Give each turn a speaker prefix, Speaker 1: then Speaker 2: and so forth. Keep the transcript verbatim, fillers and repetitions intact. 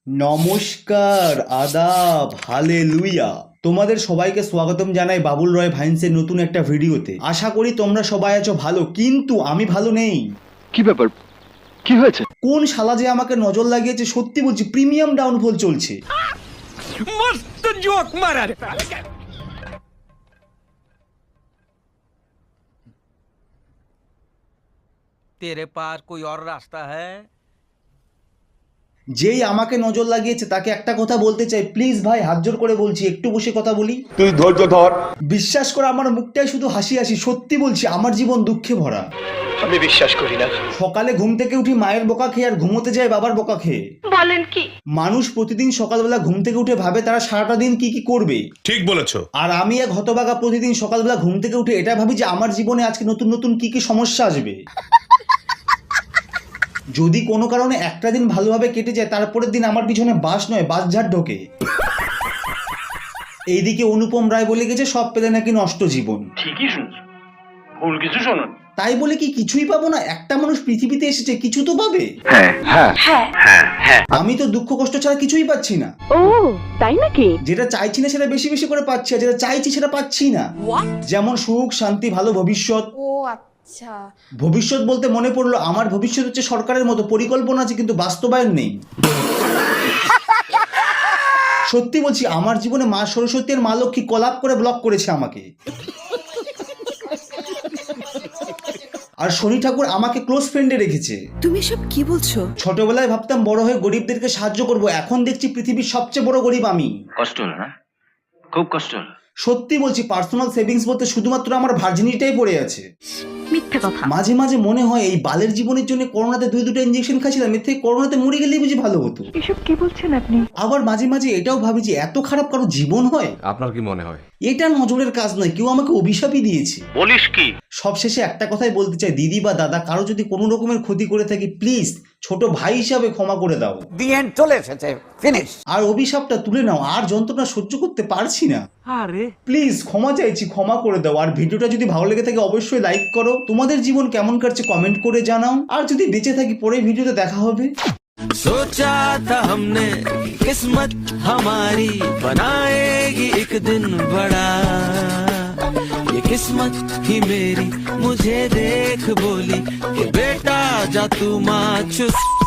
Speaker 1: নমস্কার, আদাব, হালেলুয়া। তোমাদের সবাইকে স্বাগতম জানাই বাবুল রয় ভাইন্সের নতুন একটা ভিডিওতে। আশা করি তোমরা সবাই আছো ভালো, কিন্তু আমি ভালো নেই।
Speaker 2: কি ব্যাপার, কি হয়েছে?
Speaker 1: কোন শালা যে আমাকে নজর লাগিয়েছে, সত্যি বলছি প্রিমিয়াম ডাউনফল চলছে।
Speaker 3: मस्त जोक मारा रे। तेरे पास कोई और रास्ता है?
Speaker 1: যেই আমাকে নজর লাগিয়েছে তাকে একটা কথা বলতে চাই, প্লিজ ভাই হাত জোর করে বলছি একটু বসে কথা বলি।
Speaker 2: তুই ধৈর্য ধর।
Speaker 1: বিশ্বাস করে আমার মুখটাই শুধু হাসি হাসি, সত্যি বলছি আমার জীবন দুঃখে ভরা।
Speaker 2: আমি বিশ্বাস করি না।
Speaker 1: সকালে ঘুম থেকে উঠি মায়ের বোকা খেয়ে আর ঘুমোতে যায় বাবার বোকা খেয়ে।
Speaker 4: বলেন কি?
Speaker 1: মানুষ প্রতিদিন সকালবেলা ঘুম থেকে উঠে ভাবে তারা সারাটা দিন কি কি করবে।
Speaker 5: ঠিক বলেছো।
Speaker 1: আর আমি এক হতভাগা প্রতিদিন সকালবেলা ঘুম থেকে উঠে এটা ভাবি যে আমার জীবনে আজকে নতুন নতুন কি কি সমস্যা আসবে। যদি কোনো কারণে একটা দিন ভালোভাবে কেটে যায়, তারপরের দিন আমার পিছনে বাস নয় বাসঝাড় ঢোকে। এইদিকে অনুপম রায় বলে গেছে সব পেলে নাকি নষ্ট জীবন।
Speaker 2: ঠিকই শুনছো, ভুল কিছু শোনো।
Speaker 1: তাই বলে কি কিছুই পাবো না? একটা মানুষ পৃথিবীতে এসেছে, কিছু তো পাবে।
Speaker 2: হ্যাঁ হ্যাঁ হ্যাঁ হ্যাঁ।
Speaker 1: আমি তো দুঃখ কষ্ট ছাড়া কিছুই পাচ্ছি না।
Speaker 4: ও তাই নাকি?
Speaker 1: যেটা চাইছি না সেটা বেশি বেশি করে পাচ্ছি, আর যেটা চাইছি সেটা পাচ্ছি না। যেমন সুখ, শান্তি, ভালো ভবিষ্যৎ।
Speaker 4: ও আচ্ছা।
Speaker 1: ভবিষ্যৎ বলতে মনে পড়লো আমার ভবিষ্যৎ হচ্ছে সরকারের মতো, পরিকল্পনা আছে কিন্তু বাস্তবায়ন নেই। সত্যি বলছি আমার জীবনে মা সরস্বতী আর মা লক্ষ্মী কলাপ করে ব্লক করেছে আমাকে। আর শনি ঠাকুর আমাকে ক্লোজ ফ্রেন্ডে রেখেছে।
Speaker 6: তুমি সব কি বলছো?
Speaker 1: ছোটবেলায় ভাবতাম বড় হয়ে গরিবদেরকে সাহায্য করব, এখন দেখছি পৃথিবীর সবচেয়ে বড় গরিব আমি।
Speaker 2: কষ্ট হলো না? খুব কষ্ট হলো।
Speaker 1: সত্যি বলছি পার্সোনাল সেভিংস বলতে শুধুমাত্র আমার ভার্জিনিটাই পড়ে আছে।
Speaker 4: মিথ্যে কথা।
Speaker 1: মাঝে মাঝে মনে হয় এই বালের জীবনের জন্য করোনাতে দুই দুটো ইঞ্জেকশন খাচ্ছিলাম, এর থেকে করোনাতে মরে গেলেই বুঝি ভালো হতো।
Speaker 4: এসব কি বলছেন আপনি?
Speaker 1: আবার মাঝে মাঝে এটাও ভাবি যে এত খারাপ কারো জীবন হয়।
Speaker 5: আপনার কি মনে হয়?
Speaker 1: এটা নজরের কাজ নয়, কেউ আমাকে অভিশাপই দিয়েছে।
Speaker 2: বলিস কি?
Speaker 1: সবশেষে একটা কথাই বলতে চাই, দিদি বা দাদা কারো যদি কোনো রকমের ক্ষতি করে থাকি, প্লিজ ছোট ভাই হিসাবে ক্ষমা করে দাও।
Speaker 3: দি এন্ড চলে এসেছে, ফিনিশ।
Speaker 1: আর অভিশাপটা তুলে নাও, আর যন্ত্রণা সহ্য করতে পারছি না।
Speaker 3: আরে
Speaker 1: প্লিজ ক্ষমা চাইছি, ক্ষমা করে দাও। আর ভিডিওটা যদি ভালো লেগে থাকে অবশ্যই লাইক করো। তোমাদের জীবন কেমন কাটছে কমেন্ট করে জানাও। আর যদি বেঁচে থাকি পরের ভিডিওতে দেখা হবে।
Speaker 7: सोचा था हमने किस्मत हमारी बनाएगी एक दिन बड़ा, ये किस्मत ही मेरी मुझे देख बोली कि बेटा जा तू माँ चुस